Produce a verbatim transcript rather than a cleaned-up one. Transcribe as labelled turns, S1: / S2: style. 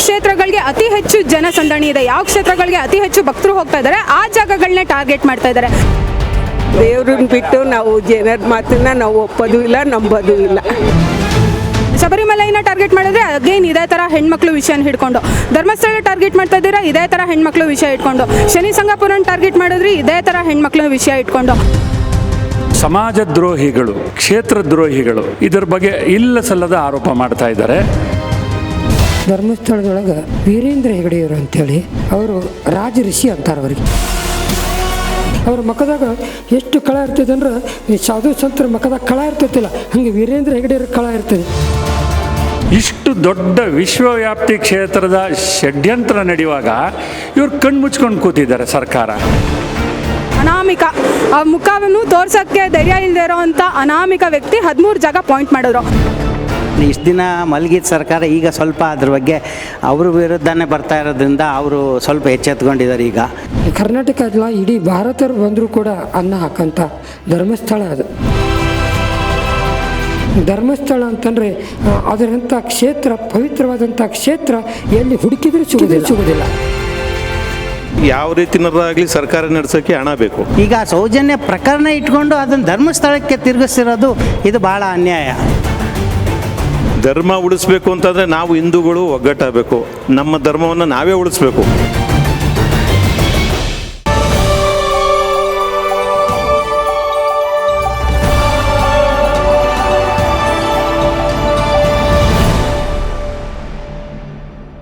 S1: ಕ್ಷೇತ್ರಗಳಿಗೆ ಅತಿ ಹೆಚ್ಚು ಜನಸಂದಣಿ ಇದೆ, ಯಾವ ಕ್ಷೇತ್ರಗಳಿಗೆ ಅತಿ ಹೆಚ್ಚು ಭಕ್ತರು ಹೋಗ್ತಾ ಇದ್ದಾರೆ ಆ ಜಾಗಗಳನ್ನೇ ಟಾರ್ಗೆಟ್ ಮಾಡ್ತಾ ಇದ್ದಾರೆ.
S2: ದೇವ್ರನ್ನ ಬಿಟ್ಟು ನಾವು ಜನರ ಮಾತನ್ನ ನಾವು ಒಪ್ಪೋದು ಇಲ್ಲ, ನಂಬೋದು ಇಲ್ಲ.
S1: ಶಬರಿಮಲೆನ ಟಾರ್ಗೆಟ್ ಮಾಡಿದ್ರೆ ಅಗೇನ್ ಇದೇ ಥರ ಹೆಣ್ಮಕ್ಳು ವಿಷಯನ ಹಿಡ್ಕೊಂಡು, ಧರ್ಮಸ್ಥಳ ಟಾರ್ಗೆಟ್ ಮಾಡ್ತಾ ಇದ್ದೀರಾ ಇದೇ ಥರ ಹೆಣ್ಮಕ್ಳು ವಿಷಯ ಇಟ್ಕೊಂಡು, ಶನಿ ಸಂಗಪುರನ ಟಾರ್ಗೆಟ್ ಮಾಡಿದ್ರಿ ಇದೇ ಥರ ಹೆಣ್ಮಕ್ಳು ವಿಷಯ ಇಟ್ಕೊಂಡು.
S3: ಸಮಾಜ ದ್ರೋಹಿಗಳು, ಕ್ಷೇತ್ರ ದ್ರೋಹಿಗಳು ಇದರ ಬಗ್ಗೆ ಇಲ್ಲ ಸಲ್ಲದ ಆರೋಪ ಮಾಡ್ತಾ ಇದ್ದಾರೆ.
S4: ಧರ್ಮಸ್ಥಳದೊಳಗೆ ವೀರೇಂದ್ರ ಹೆಗಡೆಯವರು ಅಂತೇಳಿ ಅವರು ರಾಜ ಋಷಿ ಅಂತಾರೆ. ಅವರಿಗೆ ಅವ್ರ ಮಖದಾಗ ಎಷ್ಟು ಕಳ ಇರ್ತದೆ ಅಂದ್ರೆ ಈ ಸಾಧು ಸಂತರ ಮಖದಾಗ ಕಳ ಇರ್ತೈತಿಲ್ಲ, ಹಂಗೆ ವೀರೇಂದ್ರ ಹೆಗಡೆಯವ್ರ ಕಳ ಇರ್ತದೆ.
S3: ಇಷ್ಟು ದೊಡ್ಡ ವಿಶ್ವವ್ಯಾಪ್ತಿ ಕ್ಷೇತ್ರದ ಷಡ್ಯಂತ್ರ ನಡೆಯುವಾಗ ಇವ್ರು ಕಣ್ಣು ಮುಚ್ಕೊಂಡು ಕೂತಿದ್ದಾರೆ ಸರ್ಕಾರ.
S1: ಅನಾಮಿಕ ಆ ಮುಖವನ್ನು ತೋರ್ಸೋಕ್ಕೆ ಧೈರ್ಯ ಇಲ್ಲದೆ ಇರೋವಂಥ ಅನಾಮಿಕ ವ್ಯಕ್ತಿ ಹದಿಮೂರು ಜಾಗ ಪಾಯಿಂಟ್ ಮಾಡಿದ್ರು.
S5: ಇಷ್ಟು ದಿನ ಮಲಗಿದ ಸರ್ಕಾರ ಈಗ ಸ್ವಲ್ಪ ಅದ್ರ ಬಗ್ಗೆ ಅವ್ರ ವಿರುದ್ಧನೇ ಬರ್ತಾ ಇರೋದ್ರಿಂದ ಅವರು ಸ್ವಲ್ಪ ಎಚ್ಚೆತ್ಕೊಂಡಿದ್ದಾರೆ. ಈಗ
S4: ಕರ್ನಾಟಕ ಅಲ್ಲ, ಇಡೀ ಭಾರತರು ಬಂದರೂ ಕೂಡ ಅನ್ನ ಹಾಕಂತ ಧರ್ಮಸ್ಥಳ ಅದು. ಧರ್ಮಸ್ಥಳ ಅಂತಂದರೆ ಅದರಂಥ ಕ್ಷೇತ್ರ, ಪವಿತ್ರವಾದಂಥ ಕ್ಷೇತ್ರ ಎಲ್ಲಿ ಹುಡುಕಿದ್ರೂ ಸಿಗೋದಿಲ್ಲ ಸಿಗೋದಿಲ್ಲ
S6: ಯಾವ ರೀತಿನಾಗಲಿ ಸರ್ಕಾರ ನಡೆಸೋಕ್ಕೆ ಹಣ ಬೇಕು.
S5: ಈಗ ಸೌಜನ್ಯ ಪ್ರಕರಣ ಇಟ್ಕೊಂಡು ಅದನ್ನು ಧರ್ಮಸ್ಥಳಕ್ಕೆ ತಿರುಗಿಸಿರೋದು ಇದು ಭಾಳ ಅನ್ಯಾಯ.
S6: ಧರ್ಮ ಉಳಿಸ್ಬೇಕು ಅಂತಂದರೆ ನಾವು ಹಿಂದೂಗಳು ಒಗ್ಗಟ್ಟಾಗಬೇಕು, ನಮ್ಮ ಧರ್ಮವನ್ನು ನಾವೇ ಉಳಿಸ್ಬೇಕು.